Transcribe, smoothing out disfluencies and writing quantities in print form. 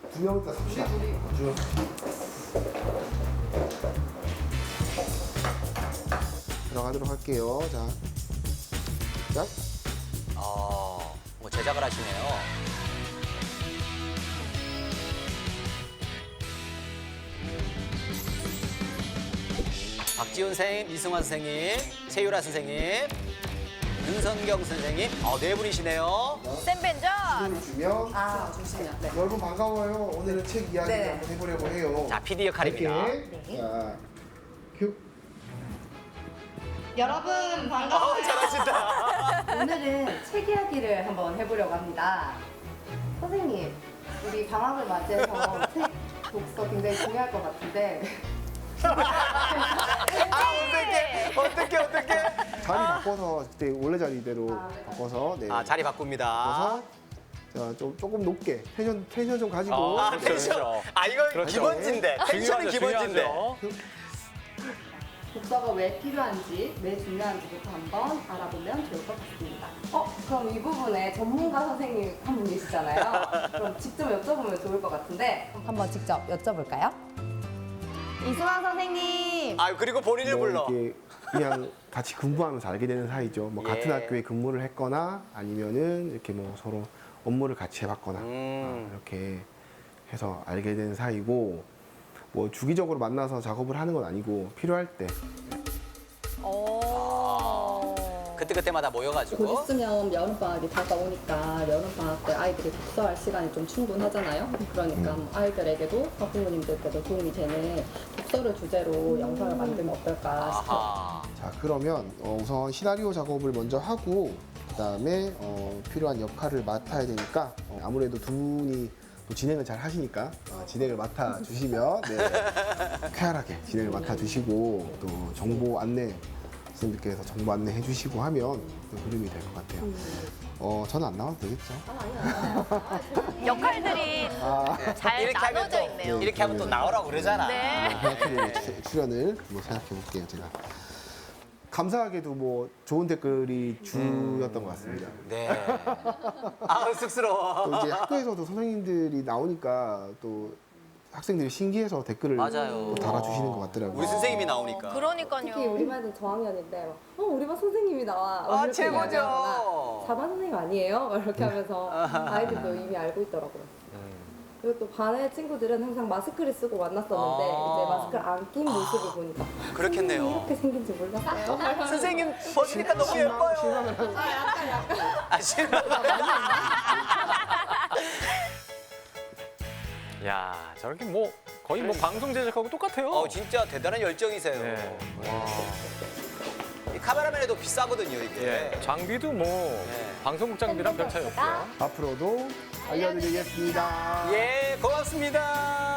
두 명 있다 삽시다. 쭉. 들어가도록 할게요. 자, 자. 뭐 제작을 하시네요. 박지훈 선생님, 이승환 선생님, 최유라 선생님, 윤선경 선생님, 네 분이시네요. 쌤벤전. 손을 주면 아, 좋습니다. 네. 여러분 반가워요. 오늘은 책 이야기 네. 한번 해보려고 해요. 자, PD 역할입니다. 이렇게. 자, 큐. 여러분 반가워요. 잘하신다. 오늘은 책 이야기를 한번 해보려고 합니다. 선생님, 우리 방학을 맞이해서 책 독서 굉장히 중요할 것 같은데 어떡해. 자리 바꿔서 그때 원래 자리대로 네. 바꿔서 네. 자리 바꿉니다. 바꿔서 자, 좀 조금 높게 텐션 좀 가지고 텐션. 이거 그렇죠. 기본진데. 텐션이 기본진데. 독서가 왜 필요한지, 왜 중요한지부터 한번 알아보면 좋을 것 같습니다. 그럼 이 부분에 전문가 선생님 한 분 계시잖아요. 그럼 직접 여쭤보면 좋을 것 같은데 한번 직접 여쭤볼까요? 이승환 선생님! 그리고 본인을 뭐 불러. 이렇게 그냥 같이 근무하면서 알게 되는 사이죠. 뭐 예. 같은 학교에 근무를 했거나 아니면은 이렇게 뭐 서로 업무를 같이 해봤거나 이렇게 해서 알게 된 사이고 뭐 주기적으로 만나서 작업을 하는 건 아니고 필요할 때 그때마다 곧 모여가지고. 있으면 여름방학이 다가오니까 여름방학 때 아이들이 독서할 시간이 좀 충분하잖아요. 그러니까 아이들에게도 학부모님들께도 도움이 되는 독서를 주제로 영상을 만들면 어떨까 싶어요. 아하. 자 그러면 우선 시나리오 작업을 먼저 하고 그다음에 필요한 역할을 맡아야 되니까 아무래도 두 분이 또 진행을 잘 하시니까 진행을 맡아 주시면 쾌활하게 진행을 맡아 주시고 또 정보 안내 선생님께서 정보 안내 해주시고 하면 또 흐름이 될 것 같아요. 저는 안 나와도 되겠죠? 역할들이 잘 이렇게 하면 나눠져 또 있네요. 이렇게 하면 또 나오라고 그러잖아. 네. 출연을 한번 생각해 볼게요, 제가. 감사하게도 뭐 좋은 댓글이 주였던 것 같습니다. 네. 쑥스러워. 또 이제 학교에서도 선생님들이 나오니까 또 학생들이 신기해서 댓글을 맞아요. 또 달아주시는 것 같더라고요. 우리 선생님이 나오니까. 특히 그러니까요. 우리 반은 저학년인데 우리 반 선생님이 나와. 이렇게 최고죠. 이야기하거나 4반 선생님 아니에요? 막 이렇게 하면서 아이들도 이미 알고 있더라고요. 그리고 또 반의 친구들은 항상 마스크를 쓰고 만났었는데 이제 마스크를 안 낀 모습을 보니까 그렇겠네요. 이렇게 생긴 줄 몰랐어요. 선생님 벗으니까 너무 예뻐요. 실망을 하고 실망. 야, 저렇게 뭐 거의 뭐 방송 제작하고 똑같아요. 진짜 대단한 열정이세요. 네. 이 카메라맨에도 비싸거든요, 이게. 예, 장비도 뭐 방송국 장비랑 별 차이 없고요. 앞으로도 알려드리겠습니다. 예, 고맙습니다.